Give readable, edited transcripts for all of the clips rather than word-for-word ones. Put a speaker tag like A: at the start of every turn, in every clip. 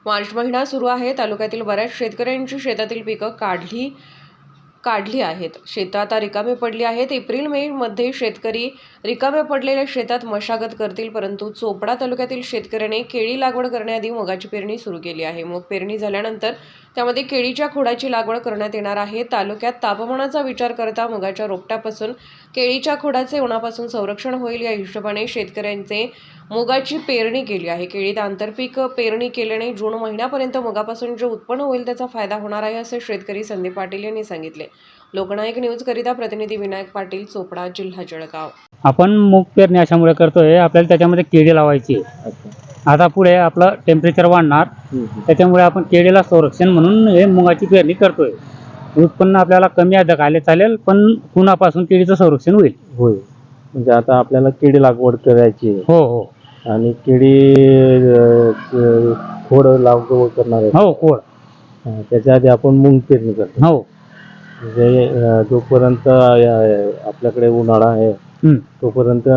A: मार्च महिना सुरू आहे. तालुक्यातील बऱ्याच शेतकऱ्यांची शेतातील पिकं काढली आहेत. शेतं आता रिकामी पडली आहेत. एप्रिल मे मध्ये शेतकरी रिकाम्या पडलेल्या शेतात मशागत करतील. परंतु चोपडा तालुक्यातील शेतकऱ्याने केळी लागवड करण्याआधी मुगाची पेरणी सुरू केली आहे. मूग पेरणी झाल्यानंतर त्यामध्ये केळीच्या खोडाची लागवड करण्यात येणार आहे. तालुक्यात तापमानाचा विचार करता मुगाच्या रोपट्यापासून केळीच्या खोडाचे उन्हापासून संरक्षण होईल या हिशोबाने शेतकऱ्यांचे मुगाची पेरणी केली आहे. केळीत आंतरपीक पेरणी केल्याने जून महिन्यापर्यंत मुगापासून जे उत्पन्न होईल त्याचा फायदा होणार आहे, असे शेतकरी संदीप पाटील यांनी सांगितले. लोकनायक न्यूज करिता प्रतिनिधी विनायक पाटील, चोपडा, जिल्हा जळगाव.
B: आपण मूग पेरणी अशामुळे करतोय, आपल्याला त्याच्यामध्ये केळी लावायची. आता पुढे आपलं टेम्परेचर वाढणार, त्याच्यामुळे आपण केळीला संरक्षण म्हणून हे मुगाची पेरणी करतोय. उत्पन्न आपल्याला कमी अधिक आले चालेल, पण उन्हापासून केळीचं संरक्षण होईल.
C: होय, म्हणजे आता आपल्याला केळी लागवड करायची आहे.
B: हो हो.
C: आणि केळी खोड लागवड करणार आहे.
B: हो, खोड.
C: त्याच्या आधी आपण मूग पेरणी करतो.
B: हो.
C: म्हणजे जोपर्यंत आपल्याकडे उन्हाळा आहे तोपर्यंत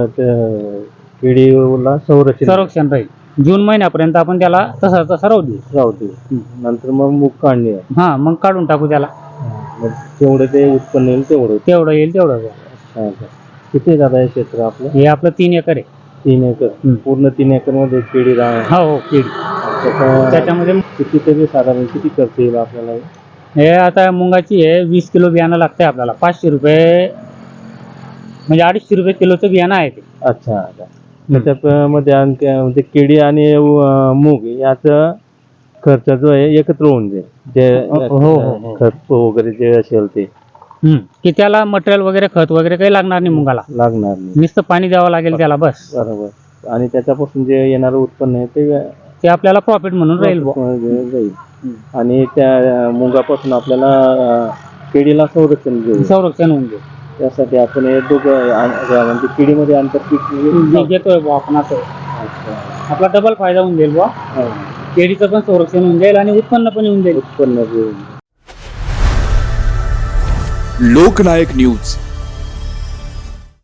C: केळीला
B: संरक्षण राहील. जून महिन्यापर्यंत आपण त्याला तसा राहू
C: देऊ. नंतर मग मूग काढणे.
B: हा, मग काढून टाकू त्याला.
C: मग जेवढं ते उत्पन्न येईल तेवढं
B: येईल तेवढं.
C: किती जात आहे क्षेत्र आपलं?
B: हे आपलं 3 एकर आहे.
C: 3 एकर. पूर्ण 3 एकर मध्ये केळी
B: हो, केळी. त्याच्यामध्ये
C: कितीतरी साधारण किती खर्च येईल आपल्याला?
B: हे आता मुंगाची आहे, 20 किलो बियाणं लागतंय आपल्याला. 500 रुपये म्हणजे 250 रुपये किलोचं बियाणं आहे ते.
C: अच्छा. त्याच्यामध्ये आणखी म्हणजे केळी आणि मूग याचा खर्च जो आहे एकत्र होऊन जाईल. जे खत वगैरे जे असेल ते
B: की त्याला मटेरियल वगैरे, खत वगैरे काही लागणार नाही. मुंगाला
C: लागणार नाही,
B: नुसतं पाणी द्यावं लागेल त्याला, बस.
C: बरोबर. आणि त्याच्यापासून जे येणारं उत्पन्न आहे ते
B: आपल्याला प्रॉफिट म्हणून राहील.
C: आणि त्या मुगापासून आपल्याला केळीला संरक्षण
B: होऊन जाईल.
C: त्यासाठी आपण हे दोघं म्हणजे केळीमध्ये आंतरपीक
B: घेतोय बुवा आपण. असं आपला डबल फायदा होऊन जाईल बुवा. केळीचं पण संरक्षण होऊन जाईल आणि उत्पन्न पण येऊन जाईल.
C: उत्पन्न
D: लोकनायक न्यूज